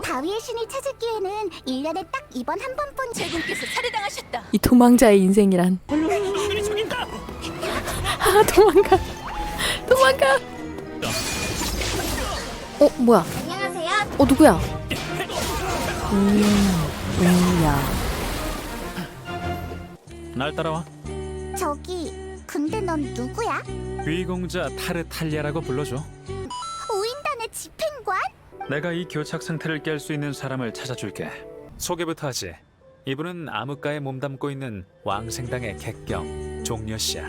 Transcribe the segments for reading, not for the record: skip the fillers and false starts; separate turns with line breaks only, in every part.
바위의 신을 찾을 기회는 1년에 딱 이번 한 번뿐.
제군께서 살해당하셨다.
이 도망자의 인생이란.
놈들이 저기 있다.
아 도망가. 도망가. 뭐야?
안녕하세요.
누구야? 야.
날 따라와.
저기 근데 넌 누구야?
위공자 타르탈리아라고 불러줘.
우인단의 집행관?
내가 이 교착 상태를 깰 수 있는 사람을 찾아줄게. 소개부터 하지. 이분은 암흑가에 몸담고 있는 왕생당의 객경 종려씨야.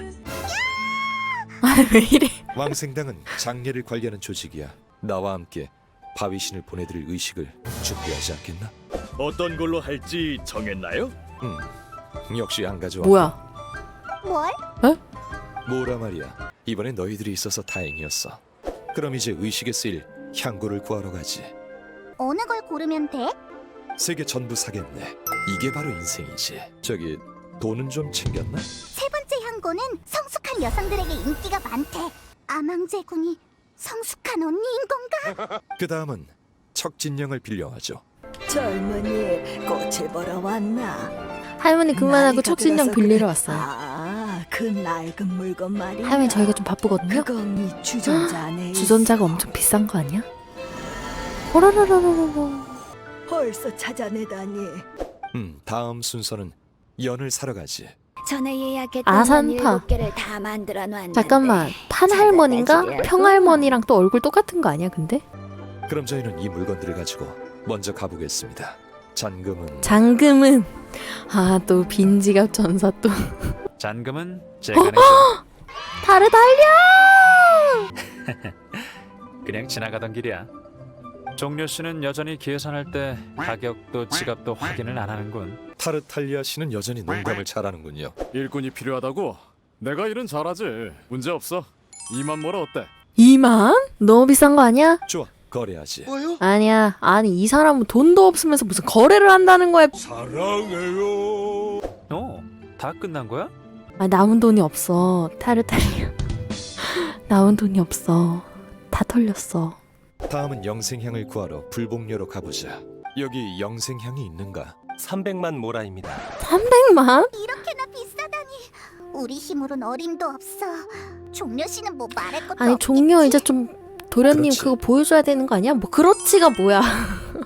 왜 이래?
왕생당은 장례를 관리하는 조직이야. 나와 함께 바위신을 보내드릴 의식을 준비하지 않겠나?
어떤 걸로 할지 정했나요?
역시 안 가져와.
뭐야?
뭘?
뭐라 말이야. 이번에 너희들이 있어서 다행이었어. 그럼 이제 의식에 쓰일 향고를 구하러 가지.
어느 걸 고르면 돼?
세 개 전부 사겠네. 이게 바로 인생이지. 저기 돈은 좀 챙겼나?
세 번째 향고는 성숙한 여성들에게 인기가 많대. 아망제군이 성숙한 언니인 건가?
그 다음은 척진령을 빌려하죠.
젊은이 꽃을 보러 왔나?
할머니 그만하고
나이가
척신령
들어서
빌리러
그래.
왔어요.
그 낡은 물건 말이야.
할머니 저희가 좀 바쁘거든요.
그건 이 주전자 안에
주전자가 엄청 비싼 거 아니야? 호로로로로로.
벌써 찾아내다니.
다음 순서는 연을 사러 가지.
전에 예약했던
아산파.
7개를 다 만들어 놨는데
잠깐만. 판할머니인가? 평할머니랑 또 얼굴 똑같은 거 아니야 근데?
그럼 저희는 이 물건들을 가지고 먼저 가보겠습니다. 잔금은
장금은 또 빈지갑 전사 또
잔금은 제가 내죠.
타르달려!
그냥 지나가던 길이야. 종려씨는 여전히 계산할 때 가격도 지갑도 확인을 안 하는군.
타르탈리아 씨는 여전히 농담을 잘하는군요.
일꾼이 필요하다고? 내가 일은 잘하지. 문제 없어. 2만 모라 어때?
2만? 너무 비싼 거 아니야?
좋아, 거래하지.
아니야. 아니 이 사람은 돈도 없으면서 무슨 거래를 한다는 거야.
다 끝난 거야?
남은 돈이 없어. 타르탈리아. 남은 돈이 없어. 다 털렸어.
다음은 영생향을 구하러 불복녀로 가보자. 여기 영생향이 있는가?
300만 모라입니다.
300만?
이렇게나 비싸다니. 우리 힘으론 어림도 없어. 종려 씨는 뭐 말할 것도
아니
없겠지?
종려 이제 좀 도련님
그렇지.
그거 보여줘야 되는 거 아니야? 뭐 그렇지가 뭐야?